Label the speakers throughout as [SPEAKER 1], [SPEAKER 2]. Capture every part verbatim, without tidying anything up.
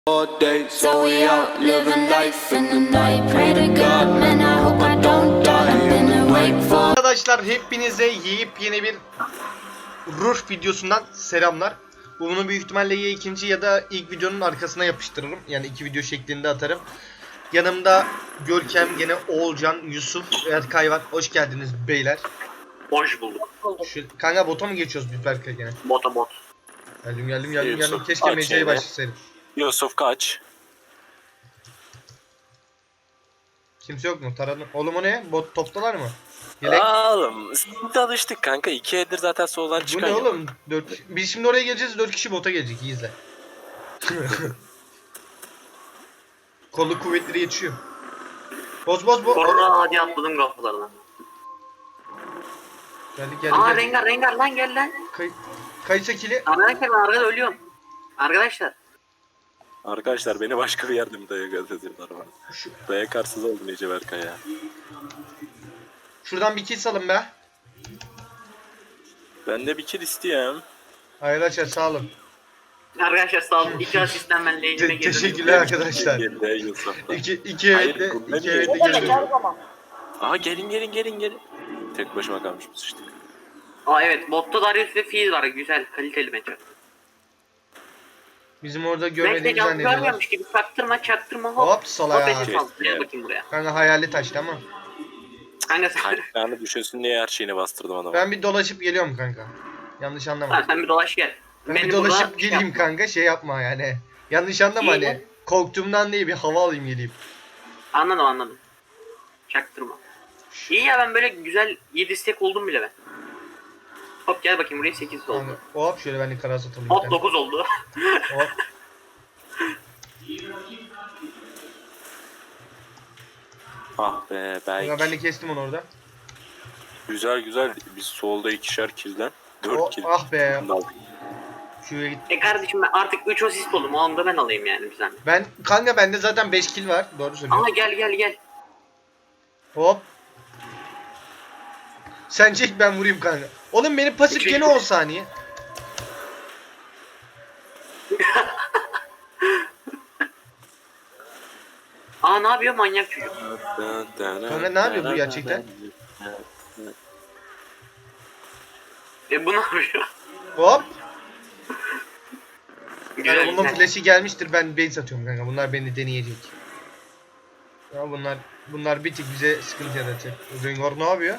[SPEAKER 1] All day, so we out living life in the night. Pray to God, man, I hope I don't die. I've been awake for.
[SPEAKER 2] Arkadaşlar hepinize yepyeni bir rush videosundan selamlar. Bunu büyük ihtimalle ya ikinci ya da ilk videonun arkasına yapıştırırım. Yani iki video şeklinde atarım. Yanımda Görkem, gene Oğulcan, Yusuf, Erkay var. Hoş geldiniz beyler.
[SPEAKER 3] Hoş bulduk.
[SPEAKER 2] Şu, kanka bota mı geçiyoruz biz Berkay gene?
[SPEAKER 3] Bota bot.
[SPEAKER 2] Geldim geldim geldim geldim.
[SPEAKER 4] Yusuf,
[SPEAKER 2] Keşke
[SPEAKER 4] aç
[SPEAKER 2] Mece'ye
[SPEAKER 4] yine.
[SPEAKER 2] başlasaydım.
[SPEAKER 4] Yusuf kaç?
[SPEAKER 2] Kimse yok mu? Taradım. Oğlum o ne? Bot toptalar mı? Yelek.
[SPEAKER 4] Oğlum şimdi alıştık kanka. İki eldir zaten soldan
[SPEAKER 2] Bu
[SPEAKER 4] çıkan
[SPEAKER 2] ne
[SPEAKER 4] yok.
[SPEAKER 2] oğlum? Dört... Biz şimdi oraya geleceğiz. Dört kişi bota gelecek. İyi izle. Kolu kuvvetleri yetişiyor. Boz boz boz.
[SPEAKER 3] Sonra hadi atladım kapılardan.
[SPEAKER 2] Geldik geldik
[SPEAKER 3] Aa
[SPEAKER 2] geldik.
[SPEAKER 3] Rengar Rengar lan gel lan.
[SPEAKER 2] Kay Kayısa kili.
[SPEAKER 3] Arkadaşlar ben arkada ölüyorum. Arkadaşlar.
[SPEAKER 4] Arkadaşlar beni başka bir yerde mi dayak atıyorlar bana?
[SPEAKER 2] Şu,
[SPEAKER 4] Dayak arsız oldum iyice Berkay ya.
[SPEAKER 2] şuradan bir kill salın be.
[SPEAKER 4] Ben de bir kill istiyorum.
[SPEAKER 2] Hayır açar sağ olun.
[SPEAKER 3] Arkadaşlar sağ olun. İki asistten ben lane'ime
[SPEAKER 2] Te
[SPEAKER 3] girdim.
[SPEAKER 2] teşekkürler arkadaşlar.
[SPEAKER 4] Geldi Yusuf'la.
[SPEAKER 2] İki, iki
[SPEAKER 4] Hayır,
[SPEAKER 2] evetle,
[SPEAKER 4] bu
[SPEAKER 2] iki
[SPEAKER 4] ne
[SPEAKER 2] evetle
[SPEAKER 4] diyor?
[SPEAKER 2] geldim.
[SPEAKER 4] Aha gelin gelin gelin gelin. Tek başıma kalmışız işte.
[SPEAKER 3] Aa evet botta Darius ve Fizz var. Güzel kaliteli match.
[SPEAKER 2] Bizim orada
[SPEAKER 3] Belki de
[SPEAKER 2] görmediğimizi
[SPEAKER 3] can
[SPEAKER 2] zannediyorlar.
[SPEAKER 3] görmüyormuş gibi çaktırma çaktırma hop.
[SPEAKER 2] Hop salaya.
[SPEAKER 3] Hop eşit aldı. Gel bakayım buraya.
[SPEAKER 2] Kanka hayali taştı ama.
[SPEAKER 3] Kanka sen,
[SPEAKER 4] Ayaklarını düşürsün diye her şeyini bastırdım adama.
[SPEAKER 2] Ben bir dolaşıp geliyorum kanka. Yanlış anlama.
[SPEAKER 3] ha, sen bir dolaş gel.
[SPEAKER 2] Ben bir
[SPEAKER 3] Beni
[SPEAKER 2] dolaşıp
[SPEAKER 3] burada
[SPEAKER 2] geleyim
[SPEAKER 3] şey
[SPEAKER 2] kanka, şey yapma yani. Yanlış anlama
[SPEAKER 3] İyi.
[SPEAKER 2] hani. Korktuğumdan değil, bir hava alayım geleyim.
[SPEAKER 3] Anladım anladım. Çaktırma. İyi ya ben böyle güzel yedi stack oldum bile ben. Hop gel bakayım buraya sekiz oldu.
[SPEAKER 2] Kanka, hop şöyle ben de karas atalım. bir
[SPEAKER 3] Hop
[SPEAKER 2] tane.
[SPEAKER 3] dokuz oldu.
[SPEAKER 2] Hop.
[SPEAKER 4] Ah be
[SPEAKER 2] Kanka
[SPEAKER 4] belki.
[SPEAKER 2] ben de kestim onu orada.
[SPEAKER 4] Güzel güzel. Biz solda ikişer kill'den. Dört
[SPEAKER 2] O,
[SPEAKER 4] kill.
[SPEAKER 2] ah be.
[SPEAKER 4] Bunu da aldık.
[SPEAKER 2] Şuraya git.
[SPEAKER 3] E kardeşim ben artık üç asist oldum. O anda ben alayım yani bizden.
[SPEAKER 2] Ben kanka bende zaten beş kill var. Doğru söylüyorsun.
[SPEAKER 3] Ama gel gel gel.
[SPEAKER 2] Hop. Sen çek ben vurayım kanka. Oğlum benim pasif gene on saniye.
[SPEAKER 3] Aa ne yapıyor manyak çocuk.
[SPEAKER 2] Kanka ne yapıyor bu gerçekten?
[SPEAKER 3] E bu ne yapıyor?
[SPEAKER 2] Hop.
[SPEAKER 3] Güzel
[SPEAKER 2] Yani bunun
[SPEAKER 3] güzel.
[SPEAKER 2] flash'i gelmiştir, ben base atıyorum kanka. Bunlar beni deneyecek. Ya bunlar bunlar bir tık bize sıkıntı yaratacak. Rengar ne yapıyor?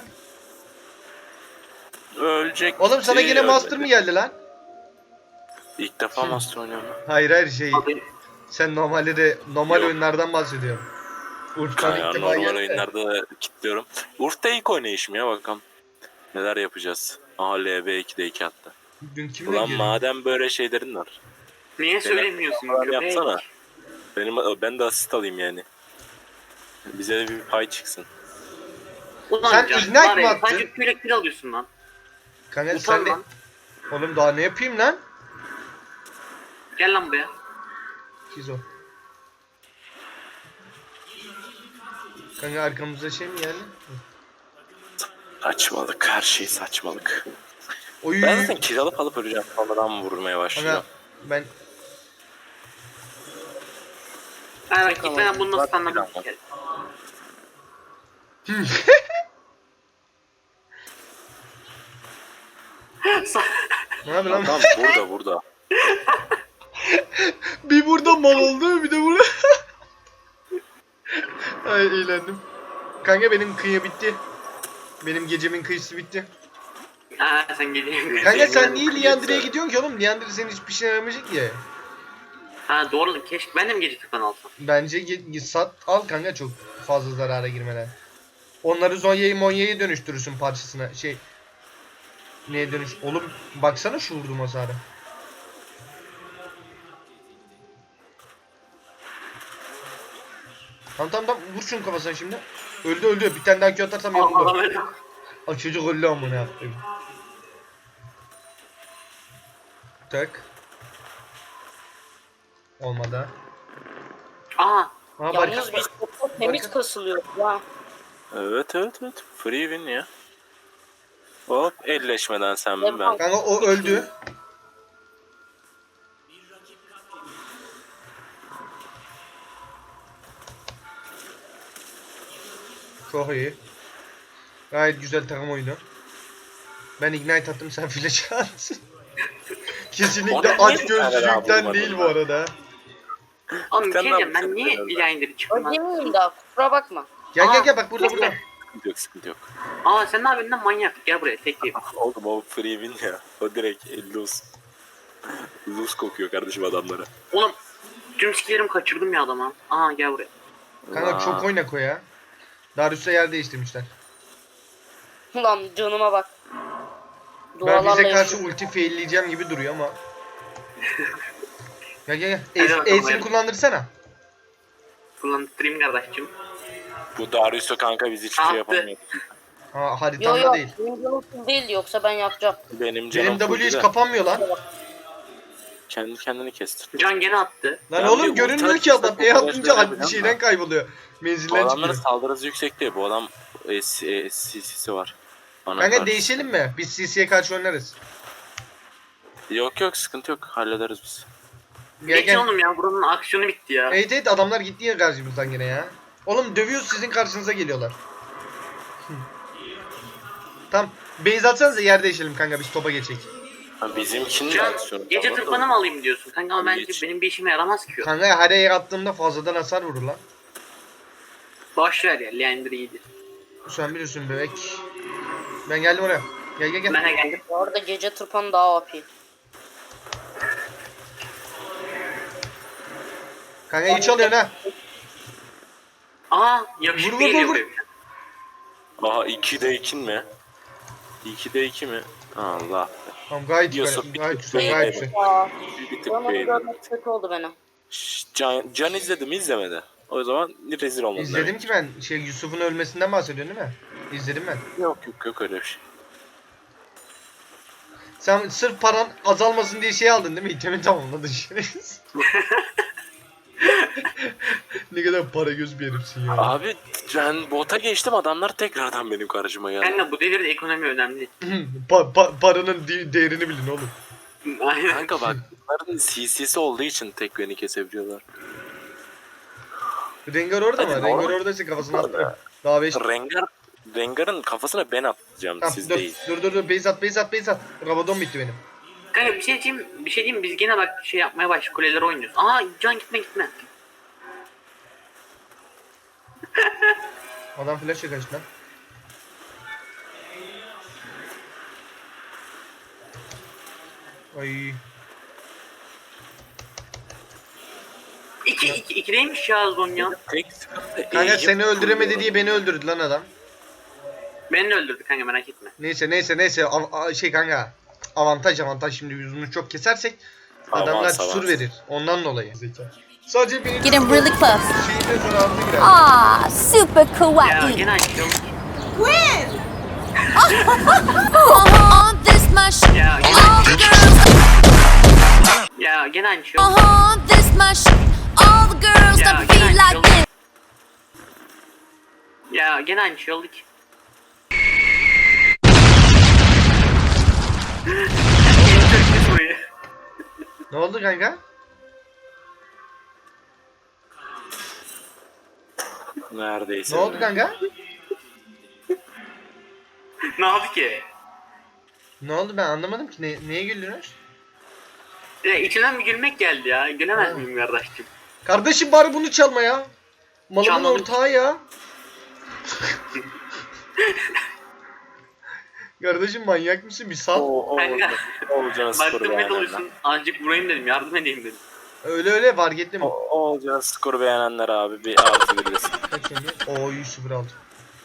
[SPEAKER 4] Ölecek.
[SPEAKER 2] Oğlum sana gene master mı geldi lan?
[SPEAKER 4] İlk defa master oynuyorum.
[SPEAKER 2] Hayır hayır şey.
[SPEAKER 3] Abi,
[SPEAKER 2] Sen normalde de normal
[SPEAKER 4] Yok.
[SPEAKER 2] oyunlardan bahsediyorum. Urf'tan
[SPEAKER 4] Ya
[SPEAKER 2] ilk defa
[SPEAKER 4] normal
[SPEAKER 2] geldi de.
[SPEAKER 4] oyunlarda kilitliyorum. Urf'ta ilk oynayışım ya bakalım. Neler yapacağız. Aha L B ikide iki attı.
[SPEAKER 2] Dün kimle
[SPEAKER 4] Ulan
[SPEAKER 2] girdi?
[SPEAKER 4] madem böyle şeylerin var.
[SPEAKER 3] niye söylemiyorsun
[SPEAKER 4] Falan
[SPEAKER 3] köpek?
[SPEAKER 4] yapsana. Benim, ben de asist alayım yani. Bize de bir pay çıksın.
[SPEAKER 3] Ulan
[SPEAKER 2] Sen
[SPEAKER 3] can,
[SPEAKER 2] ignite
[SPEAKER 3] var
[SPEAKER 2] mi
[SPEAKER 3] ya,
[SPEAKER 2] attın?
[SPEAKER 3] Sadece küle kill alıyorsun lan.
[SPEAKER 2] Kanka
[SPEAKER 3] Utan
[SPEAKER 2] sen de...
[SPEAKER 3] lan.
[SPEAKER 2] Oğlum daha ne yapayım lan?
[SPEAKER 3] Gel lan buraya.
[SPEAKER 2] Kizo. Kanka arkamızda şey mi geldi?
[SPEAKER 4] Saçmalık, her şey saçmalık.
[SPEAKER 2] Oy.
[SPEAKER 4] Ben zaten kill alıp alıp öleceğim. Sonradan vurmaya başlıyor.
[SPEAKER 2] Kanka ben
[SPEAKER 3] Ha bak gitmeden bunu nasıl
[SPEAKER 4] Zaten
[SPEAKER 3] anladım.
[SPEAKER 4] bir
[SPEAKER 3] Gel.
[SPEAKER 2] ne yapayım lan?
[SPEAKER 4] Adam burada burada.
[SPEAKER 2] Bir burada mal oldu, bir de burada. Ay eğlendim. Kanka benim kıyı bitti. Benim gecemin kıyısı bitti.
[SPEAKER 3] Ha sen geliyorsun.
[SPEAKER 2] Kanka sen niye Liandry'e gidiyorsun ki oğlum? Liandry senin hiçbir şey yaramayacak ya.
[SPEAKER 3] Ha doğru keşke ben de mi gece tıklan alsam?
[SPEAKER 2] Bence ge- sat al kanka, çok fazla zarara girmeden. Onları Zonya'yı Monya'yı dönüştürürsün parçasına. Şey... Neye dönüş... Oğlum baksana şu vurdum hasarı. Tamam tamam tamam, vur şunun kafasına şimdi. Öldü öldü, bir tane daha Q atarsam
[SPEAKER 3] Allah
[SPEAKER 2] yoruldu.
[SPEAKER 3] öyle.
[SPEAKER 2] Aa, çocuk öldü ama ne yaptı? Tak. Olmadı.
[SPEAKER 3] Aa
[SPEAKER 2] Aha bari.
[SPEAKER 5] Yalnız biz çok temiz kasılıyoruz ya.
[SPEAKER 4] Evet evet evet. Free win ya. Hop elleşmeden sen mi ben.
[SPEAKER 2] Kanka o öldü. Çok iyi. Gayet güzel takım oyunu. Ben ignite attım, sen flash at. Kesinlikle
[SPEAKER 4] Orada
[SPEAKER 2] aç
[SPEAKER 4] niye bir tane daha
[SPEAKER 2] gözlülükten
[SPEAKER 4] vurmadın
[SPEAKER 2] değil bu
[SPEAKER 4] lan?
[SPEAKER 2] arada.
[SPEAKER 3] Oğlum bir
[SPEAKER 4] Sen
[SPEAKER 3] şey
[SPEAKER 4] ne
[SPEAKER 3] diyeceğim, ben
[SPEAKER 4] yapacaksın
[SPEAKER 3] niye
[SPEAKER 4] orada?
[SPEAKER 3] Blinder'ı çıktım lan?
[SPEAKER 5] Ödemeyeyim daha kusura bakma.
[SPEAKER 2] Gel
[SPEAKER 3] Aa,
[SPEAKER 2] gel gel bak burada
[SPEAKER 3] bekle.
[SPEAKER 2] burada.
[SPEAKER 4] Sıkıntı yok sıkıntı yok.
[SPEAKER 3] Aa sen ne yapıyorsun lan manyak? Gel buraya tekleyeyim.
[SPEAKER 4] Oğlum o free win ya. O direkt lose. Lose kokuyor kardeşim adamlara.
[SPEAKER 3] Oğlum tüm skillerimi kaçırdım ya adama. Aha gel buraya.
[SPEAKER 2] Kanka
[SPEAKER 4] Aa.
[SPEAKER 2] çok oynak o ya. Darius'a yer değiştirmişler.
[SPEAKER 5] Ulan canıma bak.
[SPEAKER 2] Ben
[SPEAKER 5] Dualarla
[SPEAKER 2] bize karşı
[SPEAKER 5] yaşıyorum.
[SPEAKER 2] ulti failleyeceğim gibi duruyor ama. Gel gel
[SPEAKER 3] Hadi
[SPEAKER 2] gel.
[SPEAKER 3] bakalım,
[SPEAKER 2] Ace'ini
[SPEAKER 3] hadi.
[SPEAKER 2] kullandırsana.
[SPEAKER 3] Kullandırayım kardeşim.
[SPEAKER 4] Bu Darius'u kanka biz hiçbir
[SPEAKER 3] Attı.
[SPEAKER 4] şey yapamıyoruz.
[SPEAKER 2] Ha
[SPEAKER 5] Yo
[SPEAKER 2] haritamda
[SPEAKER 5] yo
[SPEAKER 2] değil.
[SPEAKER 5] benim canım full değildi yoksa ben yapacağım.
[SPEAKER 4] Benim canım
[SPEAKER 2] Benim W
[SPEAKER 4] full
[SPEAKER 2] hiç
[SPEAKER 4] de
[SPEAKER 2] kapanmıyor lan.
[SPEAKER 4] kendi kendini kestir.
[SPEAKER 3] Can gene attı.
[SPEAKER 2] Lan
[SPEAKER 4] Ya
[SPEAKER 2] oğlum
[SPEAKER 4] bir
[SPEAKER 2] görünmüyor
[SPEAKER 4] ulti
[SPEAKER 2] ki adam.
[SPEAKER 4] atınca
[SPEAKER 2] E
[SPEAKER 4] bu
[SPEAKER 2] atınca
[SPEAKER 4] kadar
[SPEAKER 2] bir
[SPEAKER 4] şey
[SPEAKER 2] şeyden
[SPEAKER 4] yapacağım
[SPEAKER 2] kayboluyor.
[SPEAKER 4] Bu
[SPEAKER 2] Menzilden
[SPEAKER 4] adamların
[SPEAKER 2] çıkıyor.
[SPEAKER 4] saldırı hızı yüksek değil. Bu adam e, s- e, C C'si var. Bana
[SPEAKER 2] Kanka
[SPEAKER 4] karşı.
[SPEAKER 2] değişelim mi? Biz C C'ye karşı oynarız.
[SPEAKER 4] Yok yok sıkıntı yok. Hallederiz biz.
[SPEAKER 2] Gel
[SPEAKER 3] Geçin
[SPEAKER 2] gel.
[SPEAKER 3] oğlum ya buranın aksiyonu bitti ya.
[SPEAKER 2] Evet evet adamlar gitti ya karşımızdan gene ya. Oğlum dövüyoruz sizin karşınıza geliyorlar. Hı. Tamam. Base atsanıza yer değişelim kanka biz topa geçecek.
[SPEAKER 4] Ha, bizimkinin de
[SPEAKER 3] Can
[SPEAKER 4] aksiyonu.
[SPEAKER 3] gece
[SPEAKER 4] var da-
[SPEAKER 3] tırpanı mı alayım diyorsun? Kanka ama bence
[SPEAKER 4] Hiç.
[SPEAKER 3] benim bir işime yaramaz ki o.
[SPEAKER 2] Kanka her yer attığımda fazladan hasar vurur lan.
[SPEAKER 3] Boş ver ya Leander iyidir.
[SPEAKER 2] Sen biliyorsun bebek. Ben geldim oraya. Gel gel gel.
[SPEAKER 3] Ben de geldim.
[SPEAKER 5] Bu arada gece tırpanı daha O P.
[SPEAKER 2] Kanka iyi çalıyorsun ha.
[SPEAKER 3] Aa
[SPEAKER 2] Vur,
[SPEAKER 3] yakışıklı
[SPEAKER 2] vur,
[SPEAKER 3] geliyor
[SPEAKER 2] vur,
[SPEAKER 3] buraya.
[SPEAKER 4] Aha ikide ikin mi? ikide iki mi? Allah.
[SPEAKER 2] Tamam gayet güzel.
[SPEAKER 4] Diyorsun,
[SPEAKER 2] Gayet
[SPEAKER 4] bir
[SPEAKER 2] güzel
[SPEAKER 4] tık
[SPEAKER 2] gayet
[SPEAKER 4] beğendim.
[SPEAKER 2] güzel.
[SPEAKER 5] Aa,
[SPEAKER 4] Bir tık
[SPEAKER 5] bana
[SPEAKER 4] beğendim.
[SPEAKER 5] görmek kötü oldu bana.
[SPEAKER 4] Şşş, Can, Can izledi mi izlemedi. O zaman rezil olmadı.
[SPEAKER 2] İzledim
[SPEAKER 4] demek.
[SPEAKER 2] ki ben. Şey Yusuf'un ölmesinden bahsediyorsun değil mi? İzledim ben.
[SPEAKER 4] Yok yok yok öyle bir şey.
[SPEAKER 2] Sen sırf paran azalmasın diye şey aldın değil mi? İtemi tamamladın şerefsiz. Ne kadar para göz bir herifsin ya.
[SPEAKER 4] Abi ben bota geçtim adamlar tekrardan benim karşıma geldi.
[SPEAKER 3] Kanka bu devirde ekonomi önemli.
[SPEAKER 2] Pa- pa- paranın de- değerini bilin oğlum.
[SPEAKER 3] Aynen.
[SPEAKER 4] Kanka bak bunların C C'si olduğu için tek beni kesebiliyorlar.
[SPEAKER 2] Rengar orada
[SPEAKER 4] Hadi
[SPEAKER 2] mı?
[SPEAKER 4] normal.
[SPEAKER 2] Rengar oradaysa kafasına attı. Daha beş.
[SPEAKER 4] Rengar Rengar'ın kafasına ben atacağım
[SPEAKER 2] Tamam,
[SPEAKER 4] siz
[SPEAKER 2] dur,
[SPEAKER 4] değil.
[SPEAKER 2] dur dur dur base at base at base at. Rabadon bitti benim.
[SPEAKER 3] Kanka bir şey diyeyim, bir şey diyeyim biz gene bak şey yapmaya başladık kuleleri oynuyoruz. Aa Can gitme gitme.
[SPEAKER 2] Adam flash'a kaçtı lan. Ay.
[SPEAKER 3] İki, iki, ikideymiş ya Zonya.
[SPEAKER 4] Tek sıkıntı
[SPEAKER 2] Kanka
[SPEAKER 4] eğim
[SPEAKER 2] seni öldüremedi
[SPEAKER 4] kuruyorum.
[SPEAKER 2] diye beni öldürdü lan adam.
[SPEAKER 3] Beni de öldürdü kanka merak etme.
[SPEAKER 2] Neyse neyse neyse Av- a- şey kanka. Avantaj avantaj şimdi yüzünü çok kesersek
[SPEAKER 4] Avans,
[SPEAKER 2] adamlar
[SPEAKER 4] avans.
[SPEAKER 2] sur verir. Ondan dolayı. Sadece benim
[SPEAKER 6] Getting really close.
[SPEAKER 2] şeyine zararlı girer.
[SPEAKER 6] Ah, super
[SPEAKER 3] Ya
[SPEAKER 6] kawaii.
[SPEAKER 3] gene açtım.
[SPEAKER 6] Uh-huh, this my sh-
[SPEAKER 3] Ya gene
[SPEAKER 6] All the girls,
[SPEAKER 3] Ya gene açıyorum.
[SPEAKER 6] uh-huh, this my sh- All the girls
[SPEAKER 3] Ya
[SPEAKER 6] that
[SPEAKER 3] gene
[SPEAKER 6] feel like
[SPEAKER 3] açıyorum.
[SPEAKER 6] this.
[SPEAKER 3] Ya gene açıyorduk. burayı.
[SPEAKER 2] Ne oldu kanka?
[SPEAKER 4] Neredeyse.
[SPEAKER 2] Ne oldu kanka?
[SPEAKER 3] Ne oldu ki?
[SPEAKER 2] Ne oldu ben anlamadım ki. Ne, neye güldünüz?
[SPEAKER 3] Ya içinden bir gülmek geldi ya. Gülemez
[SPEAKER 2] Ha.
[SPEAKER 3] miyim kardeşim?
[SPEAKER 2] Kardeşim bari bunu çalma ya. Malımın
[SPEAKER 3] Çalmadım.
[SPEAKER 2] ortağı ya. Kardeşim manyak mısın? Bir sal.
[SPEAKER 4] O, o,
[SPEAKER 3] Kanka.
[SPEAKER 4] olacağını skoru
[SPEAKER 3] Baktım ne
[SPEAKER 4] beğenenler.
[SPEAKER 3] doluşsun. Azıcık vurayım dedim. Yardım edeyim dedim.
[SPEAKER 2] Öyle öyle fark ettim.
[SPEAKER 4] O, o olacağını skoru beğenenler abi bir artı bilirsin.
[SPEAKER 2] Kaç şimdi? Oo yüz sıfır aldı.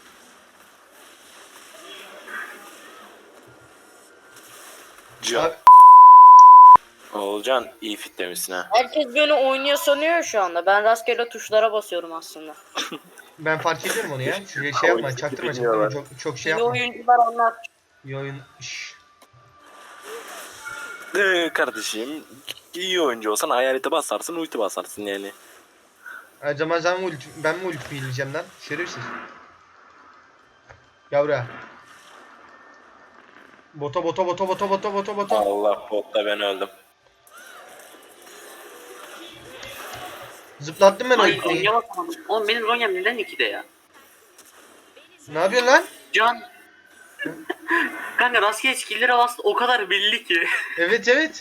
[SPEAKER 4] Can.
[SPEAKER 2] Abi,
[SPEAKER 4] Oğulcan iyi fit demişsin ha.
[SPEAKER 5] Herkes beni oynuyor sanıyor şu anda. Ben rastgele tuşlara basıyorum aslında.
[SPEAKER 2] ben fark ediyorum onu ya. Şuraya şey yapma, çaktırma çaktırma. Çok, çok şey
[SPEAKER 5] İyi
[SPEAKER 2] yapma.
[SPEAKER 5] oyuncular anlar.
[SPEAKER 2] İyi oyun. Şşş.
[SPEAKER 4] Ee, kardeşim iyi oyuncu olsan hayalete basarsın ulti basarsın yani.
[SPEAKER 2] Her zaman sen mi ulti, ben mi ulti bileceğim lan? Şerefsiz. Gel buraya. Bota bota bota bota bota bota bota.
[SPEAKER 4] Allah botta ben öldüm.
[SPEAKER 2] Zıplattım ben
[SPEAKER 3] Ay
[SPEAKER 2] ultiyi.
[SPEAKER 3] Zonya basamadım. Oğlum benim Zonya'm neden ikide ya?
[SPEAKER 2] Ne yapıyorsun lan?
[SPEAKER 3] Can. Kanka rastgele skill'lere bastı o kadar belli ki.
[SPEAKER 2] Evet evet.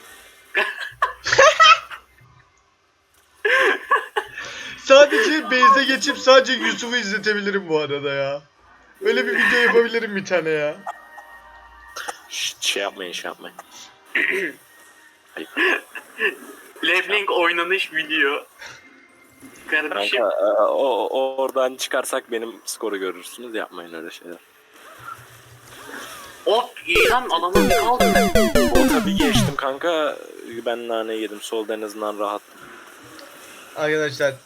[SPEAKER 2] Sadece base'e geçip sadece Yusuf'u izletebilirim bu arada ya. Öyle bir video yapabilirim bir tane ya.
[SPEAKER 4] Şşt, şey yapmayın şey yapmayın. Ayıp.
[SPEAKER 3] Leblanc oynanış video. Kardeşim.
[SPEAKER 4] Kanka e, o, o oradan çıkarsak benim skoru görürsünüz, yapmayın öyle şeyler.
[SPEAKER 3] Hop iyi lan adamın ne kaldı?
[SPEAKER 4] O tabii geçtim kanka, ben nane yedim, solda en azından rahat.
[SPEAKER 2] Arkadaşlar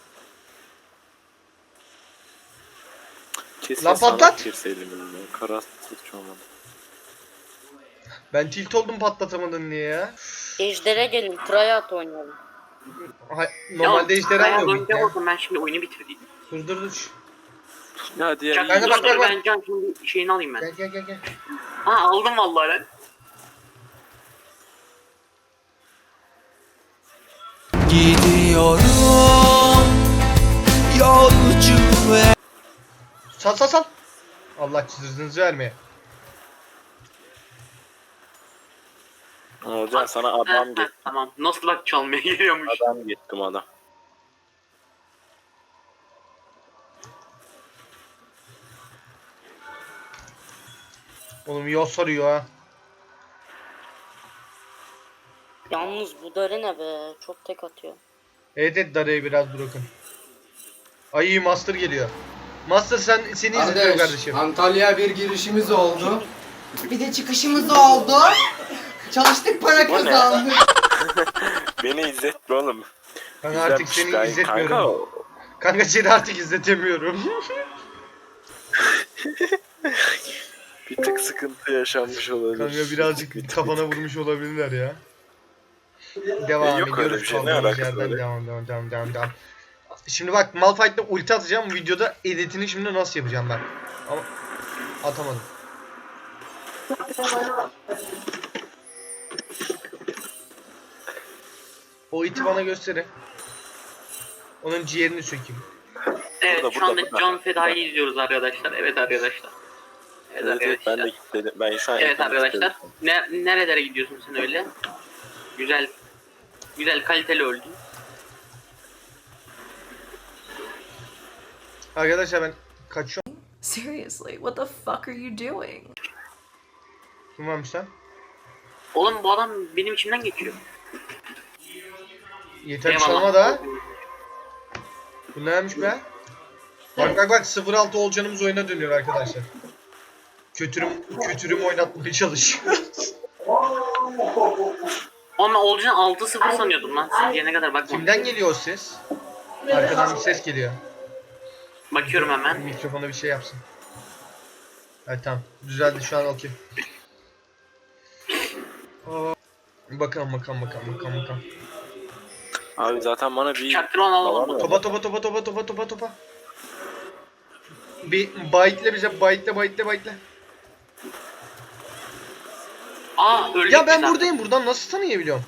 [SPEAKER 4] Kesin
[SPEAKER 2] Lan
[SPEAKER 4] sana
[SPEAKER 2] patlat!
[SPEAKER 4] girseydim elimden. Karastık olmadı.
[SPEAKER 2] ben tilt oldum patlatamadın diye ya.
[SPEAKER 5] Ejder'e gelin. Tryout oynayalım.
[SPEAKER 2] Ha, normalde ejderha
[SPEAKER 3] Bayağı
[SPEAKER 2] mı
[SPEAKER 3] oynayacak
[SPEAKER 2] ya?
[SPEAKER 3] olsam ben şimdi oyunu bitirdim.
[SPEAKER 2] Dur dur dur.
[SPEAKER 4] Ya diğer
[SPEAKER 3] Çak,
[SPEAKER 2] Kanka
[SPEAKER 3] dur,
[SPEAKER 2] bak,
[SPEAKER 3] dur,
[SPEAKER 2] bak, bak.
[SPEAKER 3] ben Can şimdi şeyini alayım ben.
[SPEAKER 2] Gel gel gel gel.
[SPEAKER 3] Ha aldım vallahi lan.
[SPEAKER 7] Gidiyorum yolcu ve
[SPEAKER 2] Sal sal sal. Allah çizinizi vermeye.
[SPEAKER 4] Hocam sana
[SPEAKER 3] Ha,
[SPEAKER 4] adam
[SPEAKER 3] ha,
[SPEAKER 4] git.
[SPEAKER 3] tamam. Nasıl bak çalmaya geliyormuş.
[SPEAKER 4] Adam gittim adam.
[SPEAKER 2] Oğlum yol sarıyor ha.
[SPEAKER 5] Yalnız bu darı ne be? Çok tek atıyor.
[SPEAKER 2] Evet evet Dara'yı biraz bırakın. Ay Master geliyor. Master sen seni izliyor
[SPEAKER 8] Kardeş,
[SPEAKER 2] kardeşim.
[SPEAKER 8] Antalya bir girişimiz oldu.
[SPEAKER 9] Bir de çıkışımız oldu. Çalıştık para
[SPEAKER 4] Bu ne?
[SPEAKER 9] kazandık.
[SPEAKER 4] Beni izletme oğlum.
[SPEAKER 2] Kanka artık
[SPEAKER 4] İzlenmiş
[SPEAKER 2] seni
[SPEAKER 4] kanka.
[SPEAKER 2] izletmiyorum. Kanka seni artık izletemiyorum.
[SPEAKER 4] Bir tık sıkıntı yaşanmış olabilir.
[SPEAKER 2] Kanka birazcık kafana vurmuş olabilirler ya. Devam
[SPEAKER 4] Yok öyle
[SPEAKER 2] ediyoruz
[SPEAKER 4] bir şey, ne
[SPEAKER 2] kaldığımız
[SPEAKER 4] alakası
[SPEAKER 2] yerden
[SPEAKER 4] öyle?
[SPEAKER 2] devam devam devam devam devam. Şimdi bak Malphite'de ulti atacağım videoda editini şimdi nasıl yapacağım ben. Ama atamadım. O iti bana gösterin. Onun ciğerini sökeyim.
[SPEAKER 3] Evet
[SPEAKER 4] Burada,
[SPEAKER 3] şu
[SPEAKER 4] burada,
[SPEAKER 3] anda
[SPEAKER 4] burada.
[SPEAKER 3] Can Feda'yı izliyoruz arkadaşlar. Evet arkadaşlar. Evet,
[SPEAKER 4] Evet, evet, ben
[SPEAKER 3] arkadaşlar.
[SPEAKER 4] de kilitledim. Ben şu an
[SPEAKER 3] Evet
[SPEAKER 4] ekranı
[SPEAKER 3] arkadaşlar.
[SPEAKER 4] kilitledim.
[SPEAKER 3] Ne, nerelere gidiyorsun sen öyle? Güzel. Güzel kaliteli öldün.
[SPEAKER 2] Arkadaşlar ben kaçıyorum.
[SPEAKER 9] Seriously, what the fuck are you doing?
[SPEAKER 2] Kim varmış lan?
[SPEAKER 3] Oğlum bu adam benim içimden geçiyor.
[SPEAKER 2] Yeter
[SPEAKER 3] Eyvallah.
[SPEAKER 2] çalma da. Bu neymiş be? Bak bak bak sıfır altı olcanımız oyuna dönüyor arkadaşlar. Kötürüm kötürüm oynatmaya çalışıyor.
[SPEAKER 3] Oğlum ben Olcan altı sıfır sanıyordum lan. Siz diyene kadar bakma.
[SPEAKER 2] Kimden geliyor o ses? Arkadan bir ses geliyor.
[SPEAKER 3] Bakıyorum hemen.
[SPEAKER 2] Mikrofona bir şey yapsın. Evet tamam. Düzeldi şu an okey. Aa, Bakalım bakalım bakalım bakalım bakalım.
[SPEAKER 4] Abi zaten bana bir...
[SPEAKER 3] Çaktırman alalım.
[SPEAKER 4] Tamam.
[SPEAKER 2] Topa topa topa topa topa topa topa. Bir bite'le bize bite'le bite'le bite'le.
[SPEAKER 3] Aa öldük
[SPEAKER 2] Ya ben
[SPEAKER 3] biz
[SPEAKER 2] buradayım. Buradan nasıl tanıyabiliyorum?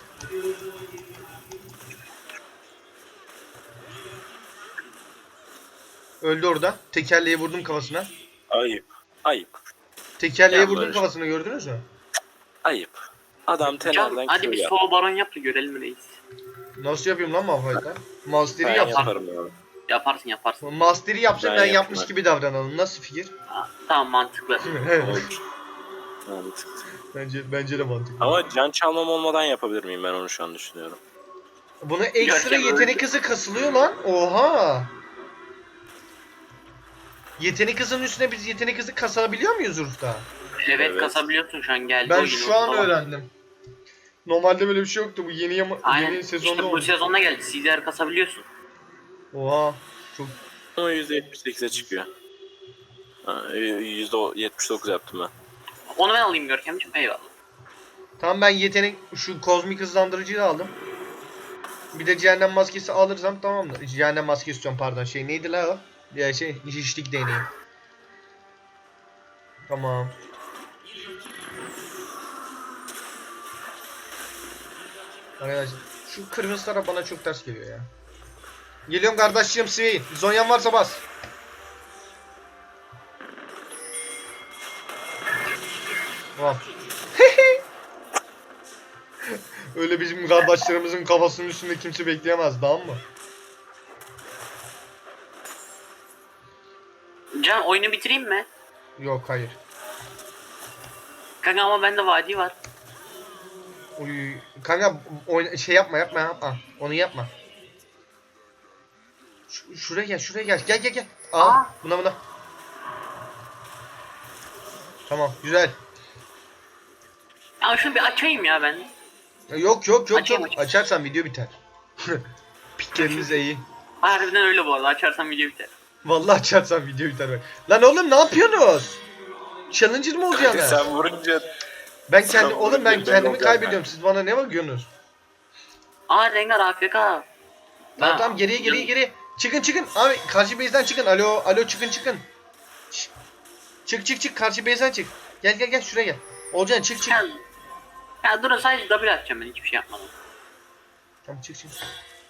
[SPEAKER 2] Öldü orada. Tekerleği vurdum kafasına.
[SPEAKER 4] Ayıp. Ayıp.
[SPEAKER 2] Tekerleği
[SPEAKER 4] Ya
[SPEAKER 2] vurdum
[SPEAKER 4] böyle-
[SPEAKER 2] kafasına gördünüz mü?
[SPEAKER 4] Ayıp. Adam
[SPEAKER 3] Can,
[SPEAKER 4] tenerden
[SPEAKER 3] hadi
[SPEAKER 4] Q
[SPEAKER 3] bir
[SPEAKER 4] yap.
[SPEAKER 3] solo baron yap da görelim reis.
[SPEAKER 2] Nasıl yapayım lan Malphite'la? Master'i
[SPEAKER 4] Ben
[SPEAKER 2] yapsam.
[SPEAKER 4] yaparım ya.
[SPEAKER 3] Yaparsın yaparsın.
[SPEAKER 2] Master'i yapsam
[SPEAKER 4] Ben
[SPEAKER 2] ben,
[SPEAKER 4] yapayım
[SPEAKER 2] yapmış
[SPEAKER 4] hadi.
[SPEAKER 2] gibi davranalım. Nasıl fikir?
[SPEAKER 3] Ha, tamam mantıklı.
[SPEAKER 4] Olur. Mantıklı.
[SPEAKER 2] bence bence de mantıklı.
[SPEAKER 4] Ama can çalmam olmadan yapabilir miyim, ben onu şu an düşünüyorum.
[SPEAKER 2] Buna ekstra
[SPEAKER 3] Görkem
[SPEAKER 2] yetenek
[SPEAKER 3] öldü.
[SPEAKER 2] hızı kasılıyor lan. Oha. Yetenek hızının üstüne biz yetenek hızı kasabiliyor muyuz Urf'ta?
[SPEAKER 3] Evet,
[SPEAKER 4] Evet.
[SPEAKER 3] kasabiliyorsun şu an geldi.
[SPEAKER 2] Ben
[SPEAKER 3] o
[SPEAKER 2] şu
[SPEAKER 3] yine
[SPEAKER 2] an
[SPEAKER 3] tamam.
[SPEAKER 2] öğrendim. Normalde böyle bir şey yoktu. Bu yeni yama,
[SPEAKER 3] Aynen.
[SPEAKER 2] yeni sezonda
[SPEAKER 3] işte bu
[SPEAKER 2] oldu.
[SPEAKER 3] sezonda geldi. C D R kasabiliyorsun.
[SPEAKER 2] Oha. Çok
[SPEAKER 4] Ama yüzde yetmiş sekize çıkıyor. Ha, yüzde yetmiş dokuz yaptım ben.
[SPEAKER 3] Onu ben alayım Görkemciğim. Eyvallah.
[SPEAKER 2] Tamam ben yetenek şu kozmik hızlandırıcıyı da aldım. Bir de cehennem maskesi alırsam tamamdır. Cehennem maskesi istiyorum pardon. Şey neydi la o? Ya şey şişlik değneği. Tamam. Arkadaşlar şu kırmızı taraf bana çok ters geliyor ya. Geliyorum kardeşim Swain. Zonyan varsa bas. Tamam. Öyle bizim kardeşlerimizin kafasının üstünde kimse bekleyemez, tamam mı?
[SPEAKER 3] Can oyunu bitireyim mi?
[SPEAKER 2] Yok, hayır.
[SPEAKER 3] Kanka ama bende vadi var.
[SPEAKER 2] Uy, kanka oyna, şey yapma yapma yapma. Onu yapma. Ş- şuraya gel, şuraya gel. Gel gel gel. Al.
[SPEAKER 3] Aa.
[SPEAKER 2] Buna buna. Tamam, güzel.
[SPEAKER 3] Ya şunu bir açayım ya ben.
[SPEAKER 2] Yok yok yok
[SPEAKER 3] Açayım,
[SPEAKER 2] yok.
[SPEAKER 3] açayım.
[SPEAKER 2] Açarsan video biter. Pikleriniz iyi.
[SPEAKER 3] Harbiden öyle bu arada. Açarsam video biter.
[SPEAKER 2] Vallahi açarsan video biter bak. Lan oğlum ne yapıyorsunuz? Challenger mı
[SPEAKER 4] Kanka
[SPEAKER 2] olacaksın?
[SPEAKER 4] sen vurunca
[SPEAKER 2] Ben
[SPEAKER 4] sen
[SPEAKER 2] kendi oğlum ben
[SPEAKER 4] vurunca ben
[SPEAKER 2] kendimi
[SPEAKER 4] olacağım
[SPEAKER 2] kaybediyorum. Siz bana ne bakıyorsunuz?
[SPEAKER 3] Aa Rengar A F K.
[SPEAKER 2] Tamam
[SPEAKER 3] Ha.
[SPEAKER 2] tamam geriye geriye geriye. Çıkın çıkın. Abi karşı base'den çıkın. Alo alo çıkın çıkın. Şş. Çık çık çık karşı base'den çık. Gel gel gel şuraya gel. Olcan çık çık.
[SPEAKER 3] Ya, ya durun sadece double atacağım ben hiçbir şey yapmadım.
[SPEAKER 2] Tamam çık çık.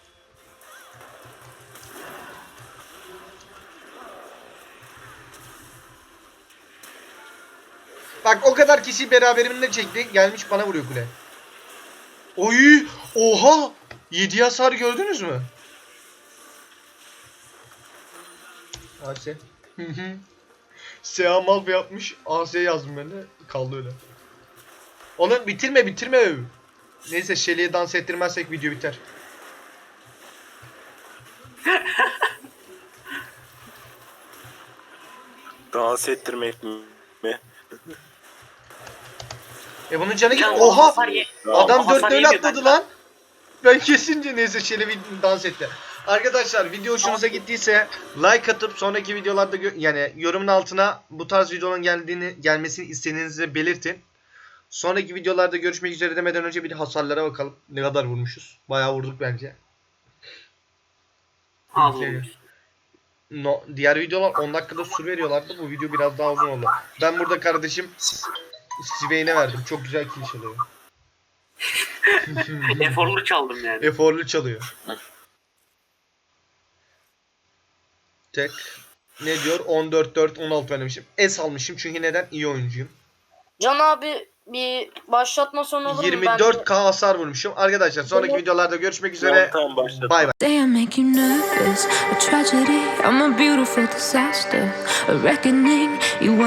[SPEAKER 2] Bak o kadar kişi beraberimle çekti. Gelmiş bana vuruyor kule. Oy! Oha! yedi hasar gördünüz mü? A S. Hı hı. Seha Malf yapmış. A S yazdım ben de. Kaldı öyle. Oğlum bitirme bitirme. Neyse Shelly'e dans ettirmezsek video biter.
[SPEAKER 4] dans ettirmek mi?
[SPEAKER 2] E bunun canı git.
[SPEAKER 3] Can,
[SPEAKER 2] Oha!
[SPEAKER 3] hasar ye-
[SPEAKER 2] Adam
[SPEAKER 3] hasar
[SPEAKER 2] dört öyle
[SPEAKER 3] yemiyor
[SPEAKER 2] atladı
[SPEAKER 3] benden.
[SPEAKER 2] lan. Ben kesince neyse Shelly bir dans etti. Arkadaşlar video hoşunuza gittiyse like atıp sonraki videolarda gö- yani yorumun altına bu tarz videonun geldiğini gelmesini istediğinizi belirtin. Sonraki videolarda görüşmek üzere demeden önce bir hasarlara bakalım. Ne kadar vurmuşuz? Bayağı vurduk bence.
[SPEAKER 3] Az
[SPEAKER 2] Okey.
[SPEAKER 3] olmuş.
[SPEAKER 2] No, diğer videolar on dakikada sur veriyorlardı. Bu video biraz daha uzun oldu. Ben burada kardeşim Siveyne verdim. Çok güzel kill çalıyor.
[SPEAKER 3] Eforlu çaldım yani.
[SPEAKER 2] Eforlu çalıyor. Tek. Ne diyor? on dört dört on altı oynamışım. Es almışım çünkü neden? İyi oyuncuyum.
[SPEAKER 5] Can abi bir başlatma sonu olur mu?
[SPEAKER 2] yirmi
[SPEAKER 5] Ben
[SPEAKER 2] dört K hasar vurmuşum. Arkadaşlar sonraki
[SPEAKER 5] Tamam.
[SPEAKER 2] videolarda görüşmek
[SPEAKER 4] Tamam,
[SPEAKER 2] üzere.
[SPEAKER 4] tamam başladım.
[SPEAKER 2] Bay bay.
[SPEAKER 1] Day I make you nervous, a tragedy. I'm a beautiful disaster, a reckoning. You